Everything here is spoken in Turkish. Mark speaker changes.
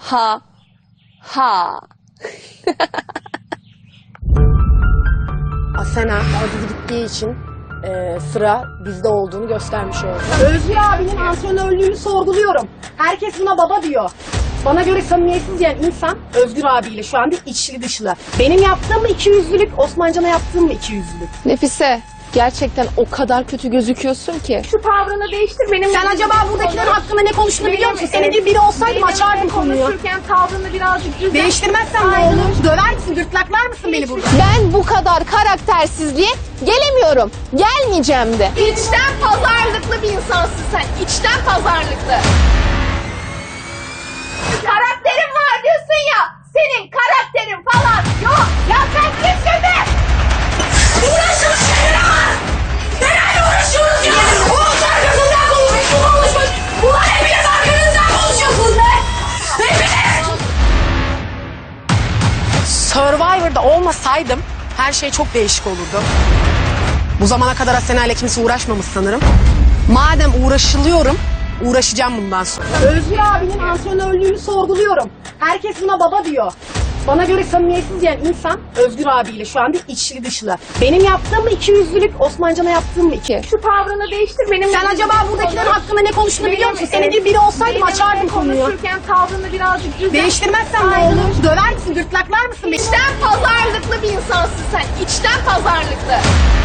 Speaker 1: Ha. Ha.
Speaker 2: Asena Aziz gittiği için sıra bizde olduğunu göstermiş oldu. Özgür abinin antrenörlüğünü sorguluyorum. Herkes buna baba diyor. Bana göre samimiyetsiz yani insan Özgür abiyle şu anda içli dışlı. Benim yaptığım mı ikiyüzlülük, Osmancan'a yaptığım mı ikiyüzlülük?
Speaker 1: Nefise, gerçekten o kadar kötü gözüküyorsun ki.
Speaker 3: Şu tavrını değiştir benim.
Speaker 2: Sen acaba buradakilerin hakkında ne konuştuğunu biliyor musun? Senin gibi biri olsaydım açardım konuyu.
Speaker 3: Konuşurken tavrını birazcık düzelt.
Speaker 2: Değiştirmezsen ne olur? Döver misin, gırtlaklar mısın beni burada?
Speaker 1: Ben bu kadar karaktersizliğe gelemiyorum. Gelmeyeceğim de.
Speaker 3: İçten pazarlıklı bir insansın sen. İçten pazarlıklı. Karakterin var diyorsun ya. Senin karakterin falan yok. Ya sen kimsin be? Uğraşın şeyler. Nelerle uğraşıyoruz ya? Oğuz arkasından konuşmuş. Ulan hepiniz arkanızdan konuşuyorsunuz be. Hepiniz.
Speaker 2: Survivor'da olmasaydım her şey çok değişik olurdu. Bu zamana kadar Asena ile kimse uğraşmamış sanırım. Madem uğraşılıyorum, uğraşacağım bundan sonra. Özgür abinin antrenörlüğünü sorguluyorum. Herkes buna baba diyor. Bana göre samimiyetsiz yani insan Özgür abiyle şu anda içli dışlı. Benim yaptığım mı ikiyüzlülük, Osmancan'a yaptığım mı iki?
Speaker 3: Şu tavrını değiştir benim.
Speaker 2: Sen acaba buradakilerin hakkında ne konuştuğunu biliyor musun? Senin gibi biri olsaydım açardım konuyu.
Speaker 3: Konuşurken tavrını birazcık düzelt.
Speaker 2: Değiştirmezsen ne olur? Döver misin, gırtlaklar mısın beni?
Speaker 3: İçten pazarlıklı bir insansın sen. İçten pazarlıklı.